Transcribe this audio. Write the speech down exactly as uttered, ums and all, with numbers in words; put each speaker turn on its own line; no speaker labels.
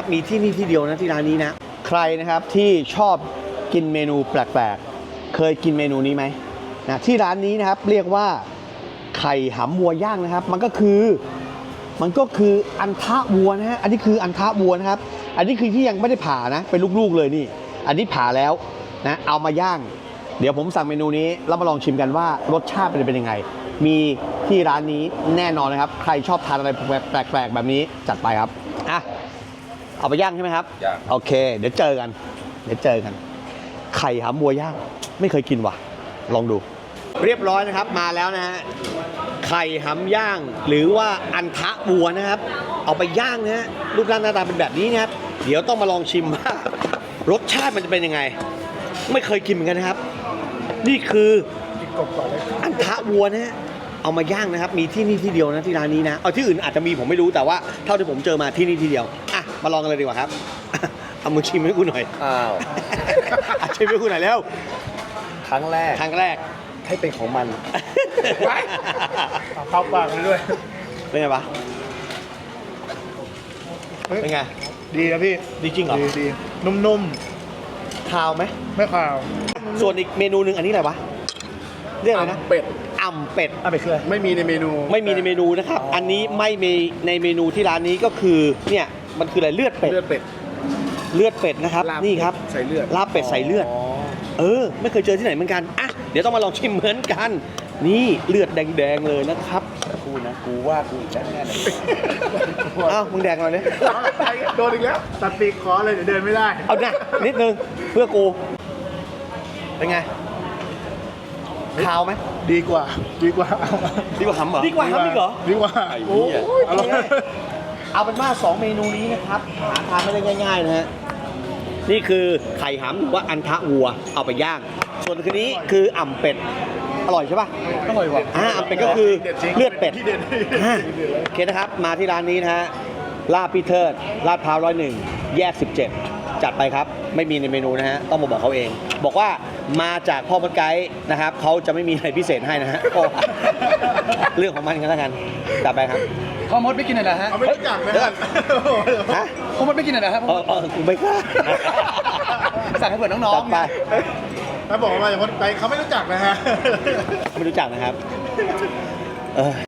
มีที่นี่ที่เดียวนะที่ร้านนี้นะใครนะครับที่ชอบกินเมนูแปลกๆเคยกินเมนูนี้ไหมนะที่ร้านนี้นะครับเรียกว่าไข่หำวัวย่างนะครับมันก็คือมันก็คืออันทะวัวนะฮะอันนี้คืออันทะวัวนะครับอันนี้คือที่ยังไม่ได้ผ่านะเป็นลูกๆเลยนี่อันนี้ผ่าแล้วนะเอามาย่างเดี๋ยวผมสั่งเมนูนี้แล้วมาลองชิมกันว่ารสชาติเป็นยังไงมีที่ร้านนี้แน่นอนนะครับใครชอบทานอะไรแปลกๆแบบนี้จัดไปครับอ่ะเอาไปย่างใช่ไหมครับย่างโอเคเดี๋ยวเจอกันเดี๋ยวเจอกันไข่หำวัวย่างไม่เคยกินว่ะลองดูเรียบร้อยนะครับมาแล้วนะฮะไข่หำย่างหรือว่าอันทะวัวนะครับเอาไปย่างนะฮะรูปร่างหน้าตาเป็นแบบนี้นะครับเดี๋ยวต้องมาลองชิมว่ารสชาติมันจะเป็นยังไงไม่เคยกินเหมือนกันนะครับนี่คืออันทะวัวนะฮะเอามาย่างนะครับมีที่นี่ที่เดียวนะที่ร้านนี้นะเอาที่อื่นอาจจะมีผมไม่รู้แต่ว่าเท่าที่ผมเจอมาที่นี่ที่เดียวอ่ะมาลองกันเลยดีกว่าครับเอามือชิมให้กูหน่อยอ้าวชิมให้กูหน่อยแล้ว
ครั้งแรก
ครั้งแรก
ให้เป็นของมันเข้าปากเลยด้วย
เป็นไงปะเป็นไง
ดีนะพี่
ดีจริงเหรอ
ดีดีนุ่มๆ
คาวไหม
ไม่คาว
ส่วนอีกเมนูหนึ่งอันนี้อะไรวะเรียกอะไรนะ
เป็ด
อ่ำเป็ด
อ่ำเป็ดคืออะไรไม่มีในเมนู
ไม่มีในเมนูนะครับอันนี้ไม่มีในเมนูที่ร้านนี้ก็คือเนี่ยมันคืออะไรเลือดเป็ด
เลือดเป็ด
เลือดเป็ดนะครับนี่ครับ
ใส่เลือด
ลาบเป็ดใส่เลือดเออไม่เคยเจอที่ไหนเหมือนกันอ่ะเดี๋ยวต้องมาลองชิมเหมือนกันนี่เลือดแดงๆเลยนะครับ
กูนะกูว่ากูอีกแล้วแน่เลย
อ้าวมึงแดงหน่อยเลย
โดนอีกแล้วตัดปีกคอเลยเดี๋ยวเดินไม่ได้
เอาหน้านิดนึงเพื่อกูเป็นไงขาวไหม
ดีกว่าดีกว่า
ดีกว่าหำเหรอดีกว่าหำอีกเหรอ
ดีกว่า
โอ้ยเอาเป็นว่าสองเมนูนี้นะครับหาทานไม่ได้ง่ายๆนะฮะนี่คือไข่หำหรือว่าอันทะวัวเอาไปย่างส่วนคืนนี้คืออ่ำเป็ดอร่อยใช่ป่ะ
อร่อยว่ะ
อ่าอ่ำเป็ดก็คือเลือดเป็ดอ่าโอเคนะครับมาที่ร้านนี้นะฮะลาบพี่เทิดลาดพร้าวร้อยหนึ่งแยกสิบเจ็ดจัดไปครับไม่มีในเมนูนะฮะต้องมาบอกเขาเองบอกว่ามาจากพ่อมดไกด์นะครับเขาจะไม่มีอะไรพิเศษให้นะฮะเรื่องของมันกันแล้วกันจัดไปครับ
พ่อมดไม่กินอะไรฮะไม่รู้จักนะฮะพ่อมดไม่กินอะไรครับ
เออเออกูไม่กล้า
สั่งให้เผื่อน้องๆจัดไปถ้าบอกว่ามาจากพ่อมดไกด์เขาไม่รู้จักนะฮะ
ไม่รู้จักนะครับเออ